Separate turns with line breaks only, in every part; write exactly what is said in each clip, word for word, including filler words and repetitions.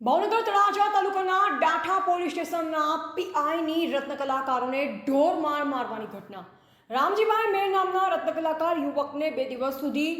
ભાવનગર તળાજા તાલુકાના ડાઠા પોલીસ સ્ટેશનના પીઆઈની રત્નકલાકારોને ઢોર માર મારવાની ઘટના। રામજીભાઈ મેર નામના રત્નકલાકાર યુવકને બે દિવસ સુધી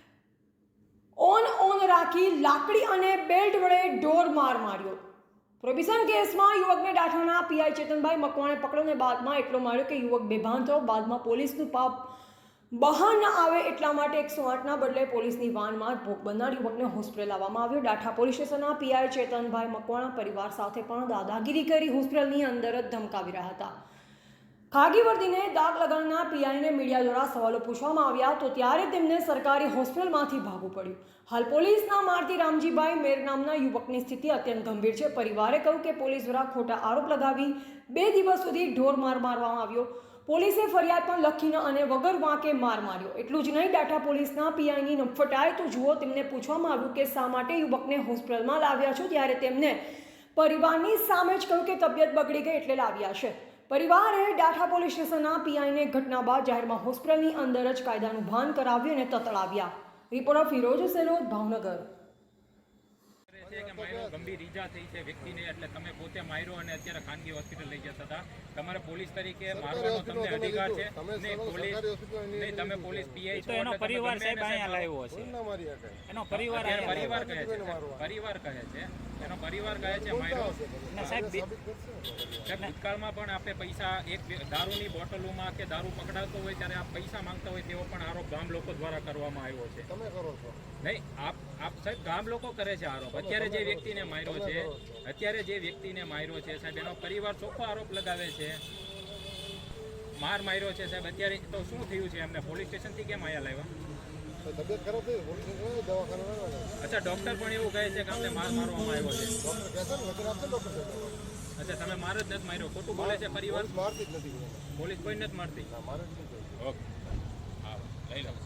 ઓન ઓન રાખી લાકડી અને બેલ્ટ વડે ઢોર માર માર્યો। પ્રોહિબિશન કેસમાં યુવકને ડાઠાના પીઆઈ ચેતનભાઈ મકવાણે પકડ્યોને બાદમાં એટલો માર્યો કે યુવક બેભાન થયો। બાદમાં પોલીસનું પાપ બહાર ન આવે એટલા માટે એકસો આઠના બદલે પોલીસની વાનમાં જ ભોગ બનનાર યુવકને હોસ્પિટલ લાવવામાં આવ્યો। ડાઠા પોલીસ સ્ટેશનના પીઆઈ ચેતનભાઈ મકવાણા પરિવાર સાથે પણ દાદાગીરી કરી હોસ્પિટલની અંદર જ ધમકાવી રહ્યા હતા। ખાગી વર્દીને દાગ લગાડનાર પીઆઈને મીડિયા દ્વારા સવાલો પૂછવામાં આવ્યા તો ત્યારે તેમને સરકારી હોસ્પિટલમાંથી ભાગવું પડ્યું। હાલ પોલીસના મારથી રામજીભાઈ મેર નામના યુવકની સ્થિતિ અત્યંત ગંભીર છે। પરિવારે કહ્યું કે પોલીસ દ્વારા ખોટા આરોપ લગાવી બે દિવસ સુધી ઢોર માર મારવામાં આવ્યો। પોલીસે ફરિયાદ પણ લખીને અને વગર વાંકે માર માર્યો। એટલું જ નહીં, ડાઠા પોલીસના પીઆઈની નફટાય તો જુઓ। તેમને પૂછવામાં આવ્યું કે શા માટે યુવકને હોસ્પિટલમાં લાવ્યા છો, ત્યારે તેમને પરિવારની સામે જ કહ્યું કે તબિયત બગડી ગઈ એટલે લાવ્યા છે। પરિવારે ડાઠા પોલીસ સ્ટેશનના પીઆઈને ઘટના બાદ જાહેરમાં હોસ્પિટલની અંદર જ કાયદાનું ભાન કરાવ્યું અને તતડાવ્યા। રિપોર્ટર ફિરોજ સેલોદ, ભાવનગર।
કે માર્યો ગંભીર ઈજા થઈ છે વ્યક્તિને, એટલે તમે પોતે માર્યો અને અત્યારે ખાનગી હોસ્પિટલ લઈ જતા હતા। તમારે પોલીસ તરીકે મારવાનો તમને અધિકાર છે નહીં? પોલીસ નહીં, તમે પોલીસ પીઆઈ છો,
એનો પરિવાર સાહેબ અહીંયા લાવ્યો હશે, એનો પરિવાર
પરિવાર કહે છે પરિવાર કહે છે એનો પરિવાર કહે છે માર્યો
સાહેબ।
ભૂતકાળમાં પણ આપણે પૈસા એક દારૂની બોટલોમાં કે દારૂ પકડાતો હોય ત્યારે આપ પૈસા માંગતા હોય તેવો પણ આરોપ ગામ લોકો દ્વારા કરવામાં આવ્યો છે।
તમે કરો છો
નહીં, આપ આપ સાહેબ ગામ લોકો કરે છે આરોપ। અત્યારે જે વ્યક્તિને માર્યો છે અત્યારે જે વ્યક્તિને માર્યો છે સાહેબ, એનો પરિવાર ચોખ્ખો આરોપ લગાવે છે માર માર્યો છે સાહેબ। અત્યારે તો શું થયું છે, એમને પોલીસ સ્ટેશનથી કેમ અહીંયા લાવ્યા?
તબિયત ખરાબ થઈ પોલીસ દવાખાના?
અચ્છા, ડૉક્ટર પણ એવું કહે છે કે અમને માર મારવામાં આવ્યો છે।
ડોક્ટર કહેશે ને વચન આપશે ડોક્ટર કહેશે।
અચ્છા, તમે માર જ નથી માર્યો, ખોટું બોલે છે પરિવાર?
મારતી જ નથી,
પોલીસ કોઈ નથી મારતી?
ના મારે જ નથી।
ઓકે, હા લઈ લો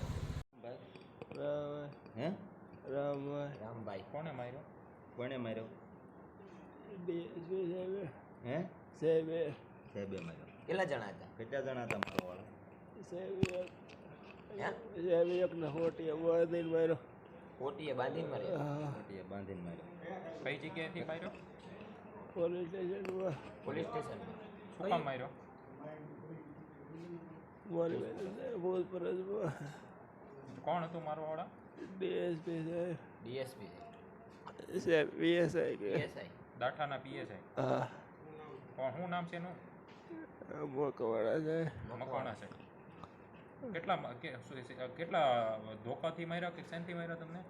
હે રામ
રામભાઈ કોને માર્યો?
કોને માર્યો?
ડીએસપી સાહેબે
હે
સાહેબે
સાહેબે માર્યો।
કેટલા જણા હતા?
કેટલા જણા હતા મારો વાળો?
સાહેબ
હે?
સાહેબ એકને હોટી બાંધીને માર્યો।
ઓટીએ બાંધીને માર્યા?
મોટીએ બાંધીને માર્યો।
કઈ જગ્યાએથી માર્યો?
પોલીસ સ્ટેશનમાં
પોલીસ સ્ટેશનમાં?
શું કામ માર્યો?
મારી ભૂત પરસમાં
કોણ હતું મારો વાળા?
ડીએસપી સાહેબ
ડીએસપી
સાહેબ પીએસઆઈ કે
પીએસઆઈ
દાઠાના પીએસઆઈ?
હા
કોણ, શું નામ છે એનું?
મોકવાડા સાહેબ
મકવાણા છે। કેટલા કે- શું- કેટલા ધોકાથી માર્યા કે શેનથી માર્યા તમને?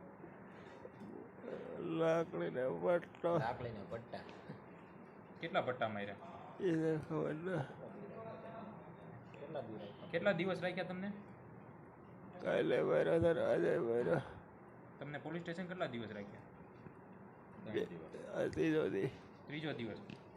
લાકડીને પટ્ટો
લાકડીને પટ્ટા?
કેટલા પટ્ટા માર્યા?
એને ખબર ના
કેટલા દિવસ રાખ્યા તમને?
કાલે માર્યો તો આજે માર્યો
તમને પોલીસ સ્ટેશન કેટલા દિવસ રાખ્યા?
ત્રીજો દી
ત્રીજો દિવસ।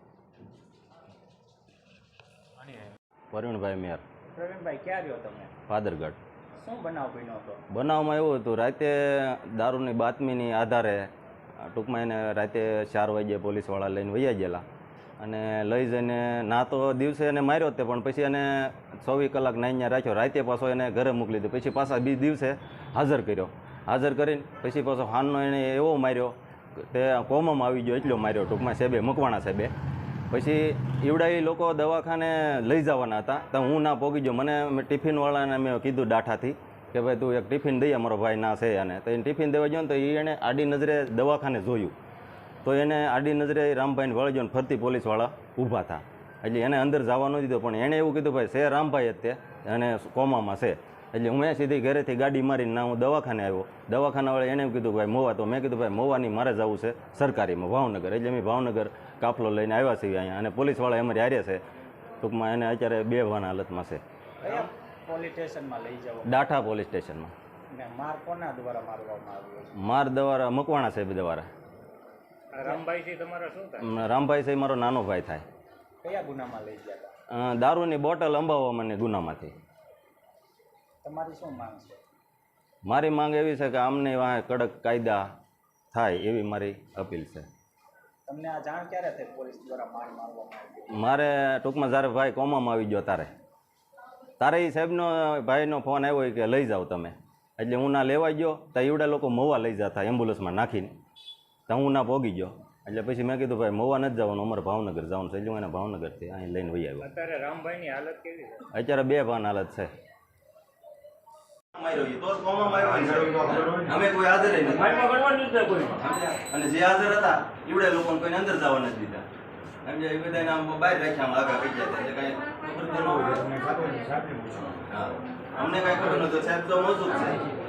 અને
વરુણભાઈ મેર,
પ્રવીણભાઈ ક્યાં રહ્યો તમે?
ફાદરગઢ।
શું બનાવ બન્યો હતો?
બનાવમાં એવું હતું, રાતે દારૂની બાતમીની આધારે ટૂંકમાં એને રાતે ચાર વાગ્યે પોલીસવાળા લઈને વૈયા ગયેલા અને લઈ જઈને ના તો દિવસે એને માર્યો તે, પણ પછી એને ચોવીસ કલાક નાઈને રાખ્યો। રાતે પાછો એને ઘરે મોકલી દીધો, પછી પાછા બીજ દિવસે હાજર કર્યો। હાજર કરીને પછી પાછો હાનનો એને એવો માર્યો તે કોમમાં આવી ગયો, એટલો માર્યો ટૂંકમાં સાહેબે, મકવાણા સાહેબે। પછી ઈવડા એ લોકો દવાખાને લઈ જવાના હતા તો હું ના પોગી ગયો। મને ટિફિનવાળાને મેં કીધું ડાઠાથી કે ભાઈ તું એક ટિફિન દઈએ, મારો ભાઈ ના છે અને તો એને ટિફિન દેવા ગયો ને તો એ એને આડી નજરે દવાખાને જોયું તો એને આડી નજરે રામભાઈને વળી ગયો ને ફરતી પોલીસવાળા ઊભા હતા, એટલે એને અંદર જવા ન દીધો। પણ એણે એવું કીધું ભાઈ છે રામભાઈ જ તે અને કોમામાં છે, એટલે હું સીધી ઘરેથી ગાડી મારીને ના હું દવાખાને આવ્યો। દવાખાનાવાળા એને એવું કીધું ભાઈ મોવા, તો મેં કીધું ભાઈ મોવાની મારે જવું છે સરકારીમાં ભાવનગર, એટલે અમે ભાવનગર કાફલો લઈને આવ્યા છીએ અહીંયા અને પોલીસવાળા અમારી હારે છે ટૂંકમાં। એને અત્યારે બે વાના હાલતમાં છે।
કયા પોલીસ સ્ટેશનમાં લઈ જાવ?
ડાઠા પોલીસ સ્ટેશનમાં।
ને માર કોના દ્વારા મારવામાં આવ્યો છે?
માર દ્વારા મકવાણા સાહેબ દ્વારા।
રામભાઈથી તમારા શું થાય?
રામભાઈ સાહેબ મારો નાનો ભાઈ થાય।
કયા ગુનામાં લઈ ગયા હતા?
અ, દારૂની બોટલ અંબાવવાની ગુનામાંથી।
તમારી શું માંગ છે?
મારી માંગ એવી છે કે આમને વાંહે કડક કાયદા થાય એવી મારી અપીલ છે।
તમને આ જાણ ક્યારે થઈ પોલીસ દ્વારા માર મારવામાં આવ્યો?
મારે ટૂંકમાં જ્યારે ભાઈ કોમામાં આવી ગયો તારે તારે એ સાહેબનો ભાઈનો ફોન આવ્યો કે લઈ જાઓ તમે, એટલે હું ના લેવા ગયો તો એવડા લોકો મવા લઈ જતા એમ્બ્યુલન્સમાં નાખીને, તો હું ના પોગી ગયો એટલે પછી મેં કીધું ભાઈ મહુવા નથી જવાનું, અમારે ભાવનગર જવાનું છે. એટલે એને ભાવનગરથી અહીં લઈને વહી આવ્યો.
અત્યારે રામભાઈની હાલત કેવી છે?
અત્યારે બે ભાન હાલત છે. અમે કોઈ હાજર નથી અને જે હાજર હતા એવડે લોકોને કોઈને અંદર જવા નથી દીધા. સમજ્યા? એ બધાને આમ બહાર રાખ્યા, આમ આગળ કહી જતા. એટલે કાંઈ ખબર તો ન હોય. હા, અમને કાંઈ ખબર નહોતું. સાહેબ તો મોજૂદ છે.